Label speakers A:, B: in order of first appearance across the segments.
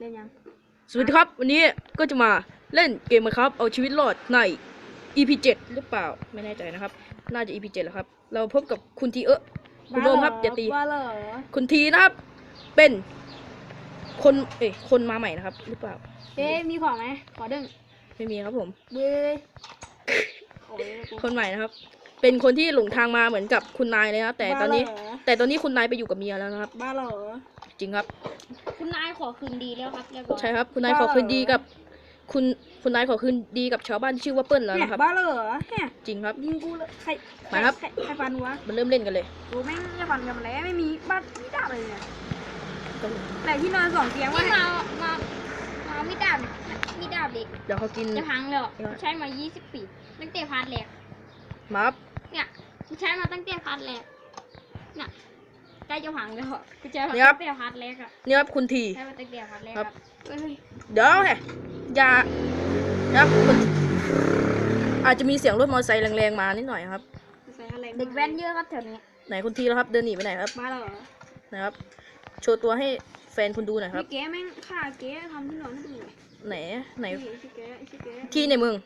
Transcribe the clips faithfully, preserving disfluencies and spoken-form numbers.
A: เล่นยัง
B: สวัสดีครับวันนี้ก็จะมาเล่นเกมครับเอาชีวิตรอดใน อี พี เจ็ดหรือเปล่าไม่แน่ใจนะครับน่าจะ อี พี เจ็ดแล้วครับเราพบกับคุณทีเออคุณโดมครับอย่าตีคุณทีนะครับเป็นคนเอ้ยคนมาใหม่นะครับหรือเปล่า
A: เอ๊มีของไหมขอดึง
B: ไม่มีครับผม
A: เบ้ย
B: คนใหม่นะครับเป็นคนที่หลงทางมาเหมือนกับคุณนายเลยครับแต่ตอนนี้แต่ตอนนี้คุณนายไปอยู่กับเมียแล้วนะครับ
A: บ้าเหรอ
B: จริงครับ
A: คุณนายขอคืนดีแล้วครับเรียบร้อย
B: ใช่ครับคุณนายขอคืนดีกับคุณคุณนายขอคืนดีกับชาวบ้านที่ชื่อว่าเปิ้ลแล้วนะครับ
A: บ้าเหรอ
B: จริงครับ
A: ยิงกูเลยใคร
B: มาครับ
A: ใครฟันวะ
B: มันเริ่มเล่นกันเลย
A: โอ้แม่งจะฟันกันมาแล้วไม่มีบ้านไม่ได้เลยเนี่ยแต่ที่นอนสองเตียงว่ามามามาไม่ดาบไม่ดาบเด็ก
B: เดี๋ยวเขากิน
A: จะพังเลยใช้มายี่สิบปีตั้งแต่พาร์ทแรก
B: มาครับ
A: เนี่ยใช้มาตั้งแต่พาร์ทแรกเนี่ยใกล้จะพังแล้วกูเจอตั้งแต่พาร์ทแรกอะ
B: เนี่ยครับคุณที
A: ใช้มาตั้งแต่พาร์ทแรกครับ
B: เดี๋ยวแหละอย่าครับอาจจะมีเสียงรถมอเตอร์ไซค์แรงๆมานิดหน่อยครับ
A: เด็กแว้นเยอะครับแถวนี้
B: ไหนคุณทีแล้วครับเดินหนีไปไหนครับ
A: มาแล้วเหรอ
B: นะครับโชว์ตัวให้แฟนคุณดูหน่อยครับ
A: เก๋แม่งฆ่าเก๋ทำที่นอนให้ดู
B: ไหนไหน
A: ที่
B: ในเมือง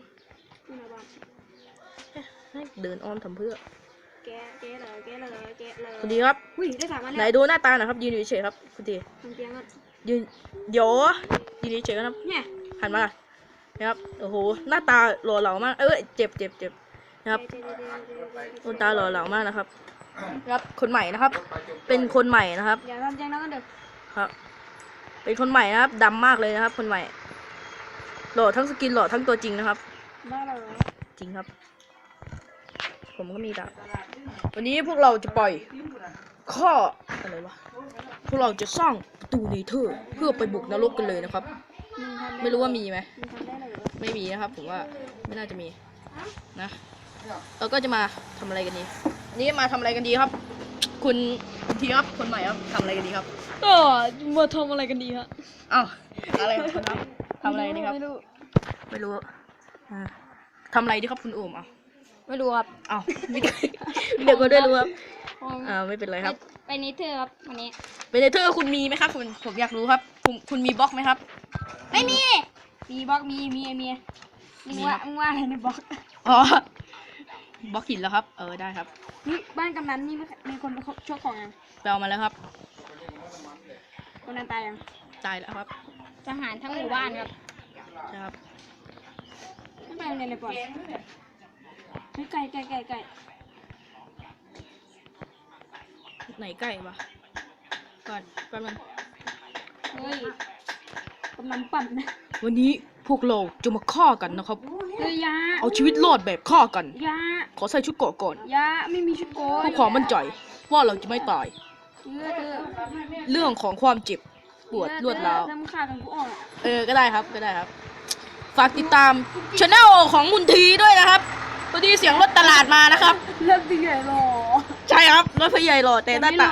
B: เดินอ้อมทำเพื่อ
A: เก๋เก๋เลยเก๋เลยเก๋เลย
B: คุณทีครับไหนดูหน้าตาหน่อยครับยืนอยู่เฉยครับคุณทียืนเดี๋ยวยืนเฉยครับหันมานะครับโอ้โหหน้าตาหล่อเหลามากเอ้ยเจ็บเจ็บเจ็บนะครับหน้าตาหล่อเหลามากนะครับครับคนใหม่นะครับเป็นคนใหม่นะครับ
A: อย่าทำใจนะกันเด็ก
B: ครับเป็นคนใหม่นะครับดำมากเลยนะครับคนใหม่หล่อทั้งสกินหล่อทั้งตัวจริงนะครับ
A: บ้าเหรอ
B: จริงครับผมก็มีดาบวันนี้พวกเราจะปล่อยข้ออะไรวะพวกเราจะสร้างประตูเนเธอร์เพื่อไปบุกนรกกันเลยนะครับไม่รู้ว่ามีไหมไม่มีนะครับผมว่าไม่น่าจะมีนะเราก็จะมาทำอะไรกันดีอันนี้มาทำอะไรกันดีครับคุณทีครับคนใหม่ครับทำอะไรกันดีครับ
A: ก็มาทำอะไรกันดีครับ
B: อ้าวอะไรครับทำอะไรดีครับ
A: ไม่รู้
B: ไม่รู้ทำอะไรดีครับคุณโอมอ่ะ
A: ไม่รู้ครับ
B: อ้าวไม่เดี๋ยวก็ได้รู้ครับอ่าไม่เป็นไรครับ
A: ไปเนเธอร์ครับวันนี้
B: ไปเนเธอร์คุณมีไหมครับคุณผมอยากรู้ครับคุณคุณมีบล็อกไหมครับ
A: ไม่มีมีบล็อกมีมีมีมึงว่ามึงว่าอะไรในบล็อก
B: อ๋อบล็อกหินแล้วครับเออได้ครับ
A: นี่บ้านกำนันนี่มีคนไปชกของยัง
B: ไปเอามาแล้วครับ
A: คนนั้นตายยัง
B: ตายแล้วครับ
A: ทหารทั้งหมู่บ้านครับ
B: ใช่ครับ
A: ไม่ไปโรงเรียนเลยปล่อยไม่ไก่ไก่ไก่ไก่
B: ไหนไก่วะก่อนแป๊บนึง
A: เฮ้ยกำนันปั่นนะ
B: วันนี้พวกเราจะมาฆ่ากันนะครับ
A: เฮ้ยยา
B: เอาชีวิตรอดแบบฆ่ากัน
A: ยา
B: ขอใส่ชุดเกราะก่อน
A: ยาไม่มีชุดเกราะ
B: เพื่อความมั่นใจว่าเราจะไม่ตายเรื่องของความเจ็บปวดรวดร้าวเออก็ได้ครับก็ได้ครับฝากติดตามช anel ของมุนทีด้วยนะครับพอดีเสียงรถตลาดมานะครับ
A: รถพี่ใหญ่หล่อ
B: ใช่ครับรถพี่ใหญ่หล่อแต่หน้าตา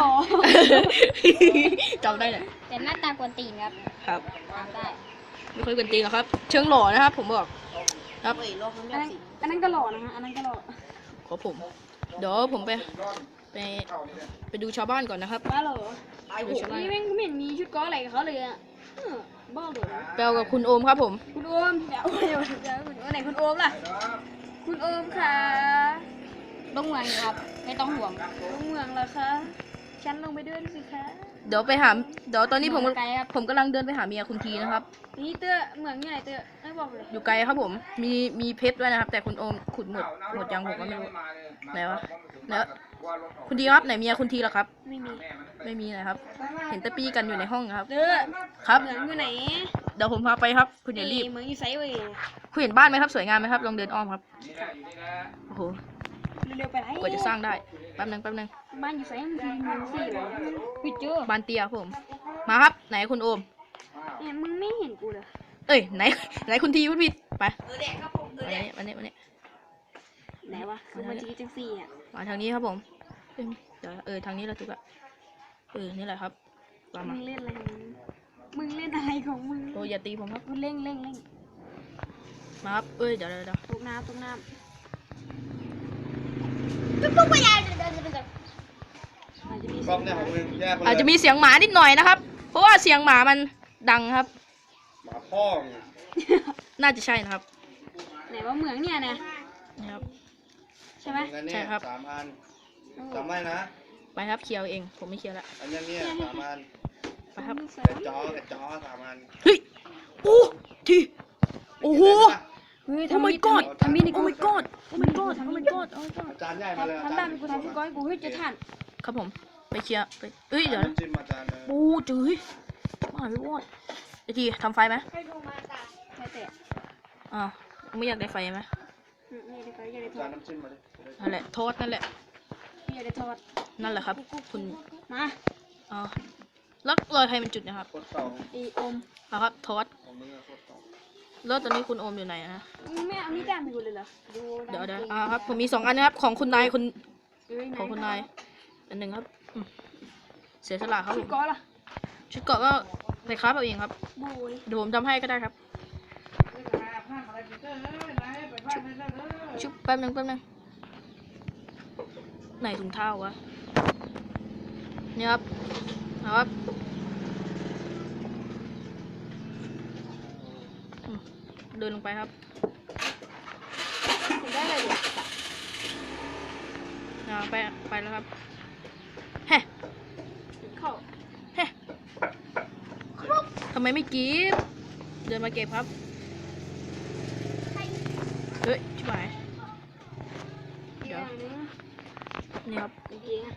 B: จำได้เลย
A: แต่หน้าตากวนตีนครับ
B: ครับ
A: ได้
B: ไม่ค่อยกวนตีนหรอกครับเชิงหล่อนะครับผมบอกครับ
A: อันนั้นก็หล่อนะฮะอันนั้นก็หล่อ
B: ขอผมเดี๋ยวผมไปไปไปดูชาวบ้านก่อนนะครับ
A: บ้าเหรอนี่แม่งไม่เห็นมีชุดก้ออะไรกับเขาเลยอ่ะบ้าเหรอ
B: แปลกับคุณโอมครับผม
A: คุณโอมเดี๋ยวเดี๋ยวเดี๋ยวไหนคุณโอมล่ะคุณโอมค่ะลงเมืองครับไม่ต้องห่วงลงเมืองเหรอคะฉันลงไปเดินสิคะ
B: เดี๋ยวไปหาเดี๋ยวตอนนี้ผมผมกำลังเดินไปหาเมียคุณทีนะครับ
A: นี่เตื้อเมืองใหญ่เตื้อไม่บอกเลย
B: อยู่ไกลครับผมมีมีเพชรด้วยนะครับแต่คุณโอมขุดหมดหมดยังผมก็ไม่รู้ไหนวะแล้วคุณทีครับไหนเมียคุณทีล่ะครับ
A: ไม่มี
B: ไม่มีนะครับเห็นตะปี้กันอยู่ในห้องครับ
A: เด้อ
B: ครับ
A: เหมืองอยู่ไหน
B: เดี๋ยวผมพาไปครับคุณอย่ารีบ
A: เหมืองอยู่ไซเว้ย
B: คุณเห็นบ้านไหมครับสวยงามไหมครับลองเดินอ้อมครับโอ้โห
A: เร็วๆไปไหน
B: กว่าจะสร้างได้แป๊บนึงแป๊บนึง
A: บ้านอยู่ไซมันคือเมืองสี่เหรอปิดเจอ
B: บ้านเตี้ยผมมาครับไหนคุณโอม
A: เนี่ยมึงไม่เห็นกูเลย
B: เอ้ยไหนไหนคุณทีวุฒิไปวันนี้วันนี้วันนี้
A: ไหนวะคือมันจะจังสี่อ่ะ
B: มาทางนี้ครับผมเดี๋ยวเออทางนี้เราถูกอะเออนี่แหละครับ
A: มึงเล่นอะไรมึงเล่นอะไรของมึง
B: โอ้อย่าตีผมครับ
A: กูเล่งเล่งเล่ง
B: มาครับเอ้ยเดี๋ยวเดี๋ยว
A: ตกน้ำตกน้ำ
B: ตุ๊กไปยังอาจจะมีเสียงหมานิดหน่อยนะครับเพราะว่าเสียงหมามันดังครับ
C: มาพ่อง
B: น่าจะใช่นะครับ
A: ไหนว่าเหมืองเนี่ยนะ
B: นี่ครับ
A: ใช่ไหม
C: เหมือนกันเนี่ย
B: ใช่ครับ
C: สามอันจำไว้นะ
B: ไปครับเคลียร์เองผมไม่เคลียร์ละ
C: อันนี้เนี่ยสามอัน
B: ไปครับ
C: กระจอกระจอสามอัน
B: เฮ้ยโอ้ทีโอ้โห
A: เฮ้ย
B: โอ้
A: ทำ
B: my
A: มีด
B: god
A: ทำมีด
B: โอ้ my god โอ้ my god โอ้ my god โอ้ my god
C: อาจารย์ใหญ่มาเลย
A: ทำตามกูทำกูก้อยกูเฮ้ยจะทัน
B: ครับผมไปเคลียร์ไปเอ้ยเดี๋ยวนะ
C: น้ำจิ้มอาจารย์เลย
B: โอ้จื้อมาไม่วอดไอทีทำไฟไหม
A: ใช่แต่
B: อ้าวไม่อยากได้ไฟไหม
A: อืมนี่เดี๋ยวก็อย่าได้
C: อา
A: ท
C: จา
A: อ
C: ร
A: ด
C: ย์น้ำจิ้มมาดิ
B: นั่นแหละโทษนั่นแหละ
A: อย่าได้ทอด
B: นั่นแหละครับ คุณ
A: มา
B: อ๋อแล้วรอยใครเป็นจุดนะครับ
C: โคตรเก่า
A: ไออม
B: เอาครับโทษ
C: ของมึงอะโคตรเก่า
B: แล้วตอนนี้คุณโอมอยู่ไหนนะ
A: ไม่เอานี่ด้านไปกูเลยเหรอดู
B: เดี๋ยวเดี๋ยวอ่าครับผมมีสองอันนะครับของคุณนายคุณ
A: เอ้ย
B: ของคุณนายอันหนึ่งครับอืมเสียสละครับผ
A: ชุด
B: ม
A: ก้อนล่ะ
B: ชุดเกราะก็ไปคราฟเอาเองครับ
A: บุย
B: เดี๋ยวผมทำให้ก็ได้ครับชุบแป๊บนึงแป๊บนึงไหนถุงเท้าวะนี่ครับเอาครับอืมเดินลงไปครับ
A: ถึงได้เลยดิ
B: อ่าไปไปแล้วครับเฮ้
A: เข้า
B: เฮ้ทำไมไม่กีบเดินมาเก็บครับเฮ้ยชิบหาย
A: เดี๋ยวนี้
B: นี่ครับ
A: จริงๆอะ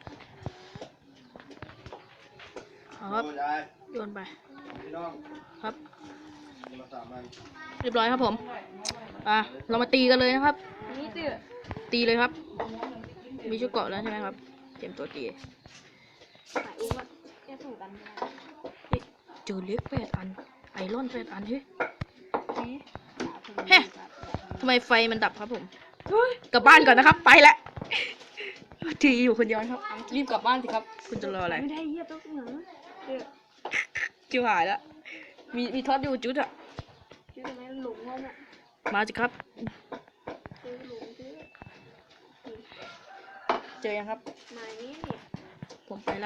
B: เอาครับ
C: โอ้ยาย
B: โยนไป
C: พี่น้อง
B: ครับ
C: มาสามอัน
B: เรียบร้อยครับผมอ่ะเรามาตีกันเลยนะครับ
A: นี่ตื้อ
B: ตีเลยครับ มีชุดเกราะแล้วใช่ไหมครับเตรียมตัวตี
A: สายอุ้มอะแค่สูงกัน
B: เฮ้ยเจอเล็กแปดอัน ไอรอนแปดอันเฮ้ย
A: ที
B: เฮ้ ทำไมไฟมันดับครับผมกลับบ้านก่อนนะครับ ไปละทีอยู่คนเดียวนะครับรีบกลับบ้านสิครับ คุณจะรออะไร
A: ไม่ได้เหี้ยต้องเหนือเดือด
B: จิวหายแล้วมีมีทอดอยู่จุดอะ
A: ชื่อทำไมหลงงงอ่ะ
B: มาสิครับ
A: ชื่อหลงชื่อ
B: เจอยังครับ
A: มานี้นี่
B: ผมไปละ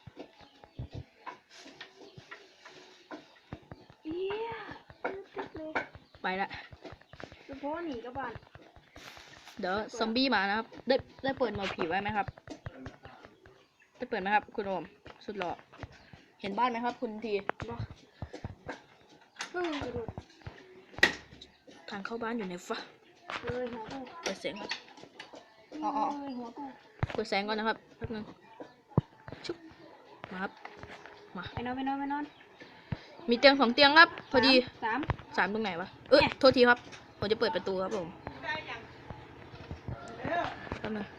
A: เอี้ยตึ๊ดเลย
B: ไปละ
A: เฉพาะหนีกับบ้าน
B: เดี๋ยวซอมบี้มานะครับ ได้ได้เปิดหมอผีไว้ไหมครับ ได้เปิดไหมครับ คุณโอม สุดหล่อ เห็นบ้านไหมครับ คุณที
A: บ่เพิ่งกระโดด
B: ทางเข้าบ้านอยู่ในฟ้า
A: เลยหัวกู
B: เปิดเสียงครับ
A: อ๋อเลยหัวกู
B: เปิดแสงก่อนนะครับแป๊บนึงชุบมาครับ มา
A: ไปนอนไปนอนไปนอน
B: มีเตียงสองเตียงครับ พอดี
A: สาม
B: สามตรงไหนวะ เอ้ย
A: เนี่ย
B: โทษทีครับ ผมจะเปิดประตูครับผมแป๊บนึง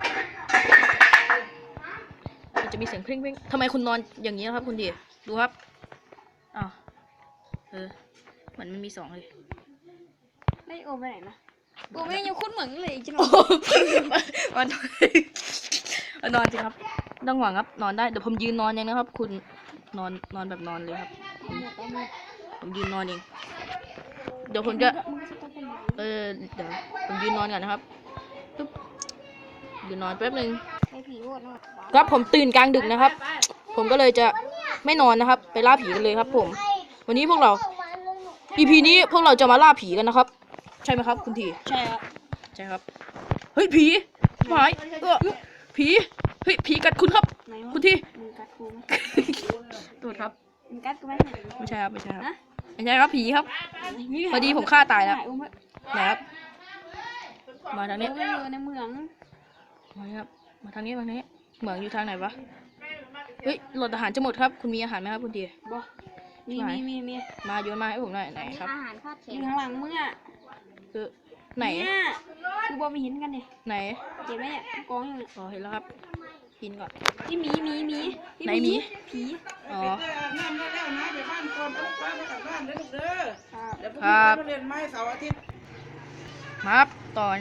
B: มันจะมีเสียงเพลงเพลงทำไมคุณนอนอย่างนี้ครับ คุณดี ดูครับ อ้าว เออเหมือนมันมีสองเลย
A: ได้โอมไปไหนนะโอมยังคุ้นเหมือนเลยจัง
B: โอ้มันมันนอนจริงครับต้องหวังครับ นอนได้ เดี๋ยวผมยืนนอนเองนะครับ คุณนอนนอนแบบนอนเลยครับ ผมยืนนอนเอง เดี๋ยวผมจะ เออ เดี๋ยวผมยืนนอนก่อนนะครับปึ๊บยืนนอนแป๊บนึง
A: ไอ้ผีโหดนะครับ
B: ผมตื่นกลางดึกนะครับ ผมก็เลยจะไม่นอนนะครับ ไปล่าผีกันเลยครับ ผม วันนี้พวกเรา อี พี นี้พวกเราจะมาล่าผีกันนะครับ ใช่ไหมครับ คุณที
A: ใช่ครับ
B: ใช่ครับ เฮ้ยผีหายเออผี เฮ้ยผีกัดคุณครับ
A: ไหนวะ
B: คุณที
A: มึงกัดกูไหม
B: โทษครับ
A: มึงกัดกูไหม
B: ไม่ใช่ครับ ไม่ใช่ครับ
A: นะ
B: ไม่ใช่ครับผีครับ พอดีผมฆ่าตายแล้ว
A: ถ่อุ้มไว้
B: ไหนครับ มาทางนี้
A: เอออยู่ในเมือง
B: มาครับ มาทางนี้มาทางนี้ เหมืองอยู่ทางไหนวะ เฮ้ยโหลดอาหารจะหมดครับ คุณมีอาหารไหมครับคุณที
A: บ่มี
B: ไหน
A: มีมีมี
B: มาโยนมาให้ผมหน่อยไหนครับ
A: อาหารคาดแขนอยู่ข้างหลังมึงอ่ะ
B: คือไหน
A: เนี่ยคือบ่ไม่เห็นกันดิ
B: ไหน
A: เจ็บไหมเนี่ยกองอยู่เนี่ย
B: อ๋อเห็นแล้วครับ กินก่อน
A: นี่หมีหมีหมีที่
B: ไหนหมี
A: ผี
B: อ๋อ
D: น้ำได้แล้วนะเดี๋ยวบ้านก่อนต้องป้าไปกลับบ้านเด้อลูกเด้อ
A: ครับ
D: เดี๋ยวพรุ่ง
B: ครั
D: นี้
B: บ
D: ไปเรียนไม้เสาร์อาทิตย์
B: มาครับตอน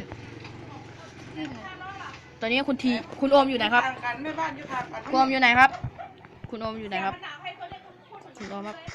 B: ตอนนี้คุณทีคุณโอมอยู่ไหนครับ
D: ทางกันแม่บ้านอยู่ทางกัน
B: คุณโอมอยู่ไหนครับ คุณโอมอยู่ไหนครับ คุณโอมครับ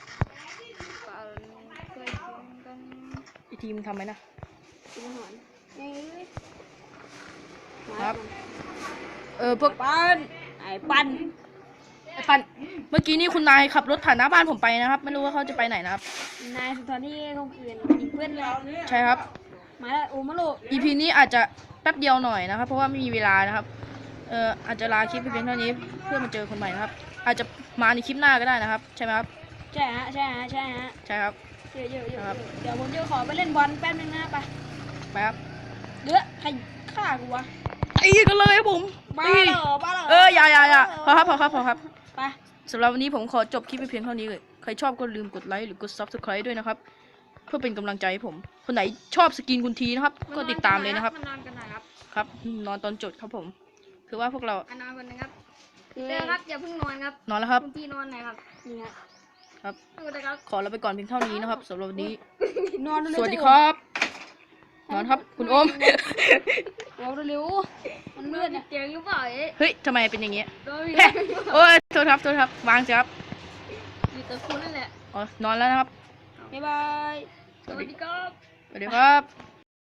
B: ไอทีมทำไหมนะ
A: กินอาหารเอ้ย
B: ครับ เออพวก
A: ปันไอ้ปัน
B: ไอ้ปันเมื่อกี้นี่คุณนายขับรถผ่านหน้าบ้านผมไปนะครับ ไม่รู้ว่าเขาจะไปไหนนะครับ
A: นายสุนทรที่เขาเพื่อนยิงเพื่อนเรา
B: ใช่ครับ
A: มาแล้วโอมาโล
B: อี พี นี้อาจจะแป๊บเดียวหน่อยนะครับ เพราะว่าไม่มีเวลานะครับ เอ่ออาจจะลาคลิปไปเพียงเท่านี้เพื่อมาเจอคนใหม่นะครับ อาจจะมาในคลิปหน้าก็ได้นะครับ ใช่ไหมครับ
A: ใช่ฮะใช่ฮะใช่ฮะ
B: ใช่ครับ
A: เยอะเยอะเย
B: ครั
A: อะ
B: บ
A: เดี๋ยวผมจะขอไปเล่นบอลแป๊บนึงนะไป
B: ไปครับ
A: เดือใครฆ่ากูวะ
B: ตีกันเลยครับผม
A: บ้า
B: ตี
A: เหรอบ้าเหรอ
B: เอออย่าอย่าอย่าพอครับพอครับพอครับ
A: ไป
B: สำหรับวันนี้ผมขอจบคลิปไปเพียงเท่านี้เลย ใครชอบก็ลืมกดไลค์หรือกด ซับสไครบ์ ด้วยนะครับ เพื่อเป็นกำลังใจให้ผม คนไหนชอบสกินคุณทีนะครับ ก็ติดตามเลยนะครับ
A: มานอนกันหน่อยครับ
B: ครับ นอนตอนจดครับผม คือว่าพวกเรา
A: มานอนกันนะครับเจอครับอย่าเพิ่งนอนครับ
B: นอนแล้วครับ
A: คุณพี่นอนหน่อยครับนี่ฮะ
B: ครับ
A: ดูนะครับ
B: ขอเราไปก่อนเพียงเท่านี้นะครับสำหรับวันนี้
A: นอนเร็
B: สวัสดีครับ นอนครับ คุณโอม
A: โอ้เร็วๆมันเลือดเนี่ยเตียงหรือเปล่าเอ๊ะ
B: เฮ้ยทำไมเป็นอย่างเงี้ย
A: โดน
B: แฮะโอ้ยโทษครับโทษครับ วางสิครับ
A: อยู่กับคุณนั่นแหละ
B: อ๋อ นอนแล้วนะครับ
A: บ๊ายบายสวัสดีครับ
B: สวัสดีครับ